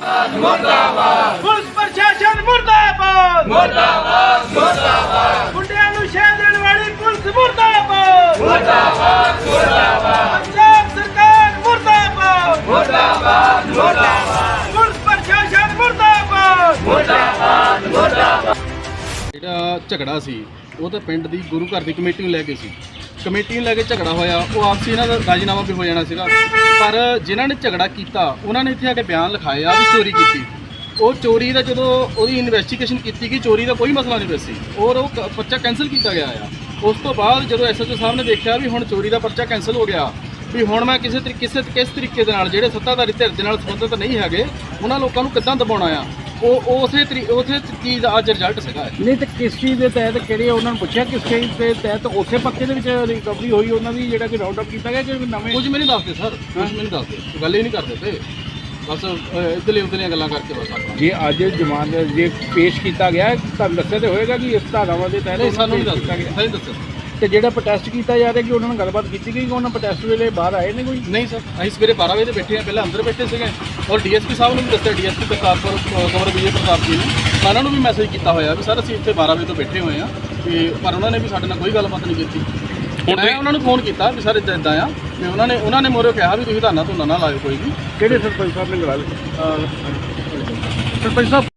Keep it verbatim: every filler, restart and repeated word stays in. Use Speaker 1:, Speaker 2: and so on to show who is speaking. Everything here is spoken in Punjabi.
Speaker 1: ਮੁਰਦਾਬਾਦ ਪੁਲਿਸ ਪ੍ਰਸ਼ਾਸਨ ਮੁਰਦਾਬਾਦ ਮੁਰਦਾਬਾਦ ਮੁਰਦਾਬਾਦ ਗੁੰਡਿਆਂ ਨੂੰ ਸ਼ਹਿ ਦੇਣ ਵਾਲੀ ਪੁਲਿਸ ਮੁਰਦਾਬਾਦ ਮੁਰਦਾਬਾਦ ਮੁਰਦਾਬਾਦ ਪੰਜਾਬ ਸਰਕਾਰ ਮੁਰਦਾਬਾਦ ਮੁਰਦਾਬਾਦ ਮੁਰਦਾਬਾਦ ਪੁਲਿਸ ਪ੍ਰਸ਼ਾਸਨ ਮੁਰਦਾਬਾਦ ਮੁਰਦਾਬਾਦ ਮੁਰਦਾਬਾਦ।
Speaker 2: ਜਿਹੜਾ ਝਗੜਾ ਸੀ ਉਹ ਤਾਂ ਪਿੰਡ ਦੀ ਗੁਰੂ ਘਰ ਦੀ ਕਮੇਟੀ ਨੂੰ ਲੈ ਕੇ ਸੀ। ਕਮੇਟੀ ਨੂੰ ਲੈ ਕੇ ਝਗੜਾ ਹੋਇਆ, ਉਹ ਆਪਸੀ ਇਹਨਾਂ ਦਾ ਰਾਜੀਨਾਮਾ ਵੀ ਹੋ ਜਾਣਾ ਸੀਗਾ, ਪਰ ਜਿਨ੍ਹਾਂ ਨੇ ਝਗੜਾ ਕੀਤਾ ਉਹਨਾਂ ਨੇ ਇੱਥੇ ਆ ਕੇ ਬਿਆਨ ਲਿਖਾਇਆ ਵੀ ਚੋਰੀ ਕੀਤੀ। ਉਹ ਚੋਰੀ ਦਾ ਜਦੋਂ ਉਹਦੀ ਇਨਵੈਸਟੀਗੇਸ਼ਨ ਕੀਤੀ ਗਈ, ਚੋਰੀ ਦਾ ਕੋਈ ਮਸਲਾ ਨਹੀਂ ਸੀ ਔਰ ਉਹ ਕ- ਪਰਚਾ ਕੈਂਸਲ ਕੀਤਾ ਗਿਆ ਆ। ਉਸ ਤੋਂ ਬਾਅਦ ਜਦੋਂ ਐਸਐਚਓ ਸਾਹਿਬ ਨੇ ਦੇਖਿਆ ਵੀ ਹੁਣ ਚੋਰੀ ਦਾ ਪਰਚਾ ਕੈਂਸਲ ਹੋ ਗਿਆ, ਵੀ ਹੁਣ ਮੈਂ ਕਿਸੇ ਤਰੀਕੇ ਕਿਸੇ ਕਿਸ ਤਰੀਕੇ ਦੇ ਨਾਲ ਜਿਹੜੇ ਸੱਤਾਧਾਰੀ ਧਿਰ ਦੇ ਨਾਲ ਸੰਬੰਧਿਤ ਨਹੀਂ ਹੈਗੇ ਉਹਨਾਂ ਲੋਕਾਂ ਨੂੰ ਕਿੱਦਾਂ ਦਬਾਉਣਾ ਆ, ਉਹ ਉਸੇ ਤਰੀ ਉਸੇ ਚੀਜ਼ ਦਾ ਅੱਜ ਰਿਜ਼ਲਟ ਸੀਗਾ।
Speaker 3: ਨਹੀਂ ਤੇ ਕਿਸ ਚੀਜ਼ ਦੇ ਤਹਿਤ ਕਿਹੜੇ ਉਹਨਾਂ ਨੂੰ ਪੁੱਛਿਆ ਕਿਸ ਚੀਜ਼ ਦੇ ਤਹਿਤ ਉਸੇ ਪਰਚੇ ਦੇ ਵਿੱਚ ਰਿਕਵਰੀ ਹੋਈ ਉਹਨਾਂ ਦੀ ਜਿਹੜਾ ਕਿ ਰਾਉਂਡ ਅਪ ਕੀਤਾ ਗਿਆ ਕਿ ਨਵੇਂ
Speaker 2: ਕੁਝ ਮੈਨੂੰ ਦੱਸਦੇ ਸਰ, ਕੁਝ ਮੈਨੂੰ ਦੱਸਦੇ, ਗੱਲ ਹੀ ਨਹੀਂ ਕਰਦੇ ਤੇ ਬਸ ਇੱਧਰਲੇ ਉੱਧਰਲੀਆਂ ਗੱਲਾਂ ਕਰਕੇ ਬਸ ਆਪਣਾ।
Speaker 3: ਜੇ ਅੱਜ ਜ਼ਮਾਨਤ ਜੇ ਪੇਸ਼ ਕੀਤਾ ਗਿਆ ਤੁਹਾਨੂੰ ਦੱਸਿਆ ਤੇ ਹੋਏਗਾ ਕਿ ਇਸ ਧਾਰਾਵਾਂ ਦੇ ਤਹਿਤ
Speaker 2: ਨਹੀਂ ਸਾਨੂੰ ਨਹੀਂ
Speaker 3: ਪੇਸ਼ ਕੀਤਾ
Speaker 2: ਦੱਸਦੇ, ਨਹੀਂ ਦੱਸਿਆ
Speaker 3: ਤੇ ਜਿਹੜਾ ਪ੍ਰੋਟੈਸਟ ਕੀਤਾ ਜਾ ਰਿਹਾ ਕਿ ਉਹਨਾਂ ਨਾਲ ਗੱਲਬਾਤ ਕੀਤੀ ਗਈ ਕਿ ਉਹਨਾਂ ਪ੍ਰੋਟੈਸਟ ਵੇਲੇ ਬਾਹਰ ਆਏ ਨੇ ਕੋਈ?
Speaker 2: ਨਹੀਂ ਸਰ, ਅਸੀਂ ਸਵੇਰੇ ਬਾਰਾਂ ਵਜੇ ਤੇ ਬੈਠੇ ਆ, ਪਹਿਲਾਂ ਅੰਦਰ ਬੈਠੇ ਸੀਗੇ ਔਰ ਡੀਐਸਪੀ ਸਾਹਿਬ ਨੂੰ ਵੀ ਦੱਸਿਆ, ਡੀਐਸਪੀ ਪ੍ਰਤਾਪਪੁਰ ਕੁੰਵਰ ਵਿਜੇ ਪ੍ਰਤਾਪ ਜੀ ਨੇ, ਮੈਂ ਉਹਨਾਂ ਨੂੰ ਵੀ ਮੈਸੇਜ ਕੀਤਾ ਹੋਇਆ ਵੀ ਸਰ ਅਸੀਂ ਇੱਥੇ ਬਾਰਾਂ ਵਜੇ ਤੋਂ ਬੈਠੇ ਹੋਏ ਆ, ਵੀ ਪਰ ਉਹਨਾਂ ਨੇ ਵੀ ਸਾਡੇ ਨਾਲ ਕੋਈ ਗੱਲਬਾਤ ਨਹੀਂ ਕੀਤੀ। ਮੈਂ ਉਹਨਾਂ ਨੂੰ ਫੋਨ ਕੀਤਾ ਵੀ ਸਰ ਇੱਦਾਂ ਇੱਦਾਂ ਆ, ਵੀ ਉਹਨਾਂ ਨੇ ਉਹਨਾਂ ਨੇ ਮੋਰੇ ਕਿਹਾ ਵੀ ਤੁਸੀਂ ਧਰਨਾ ਧੁਰਨਾ ਨਾ ਲਾਇਓ ਕੋਈ ਵੀ।
Speaker 3: ਕਿਹੜੇ ਸਰਪੰਚ ਸਾਹਿਬ ਨੇ ਲਗਾ ਲਿਆ? ਸਰਪੰਚ ਸਾਹਿਬ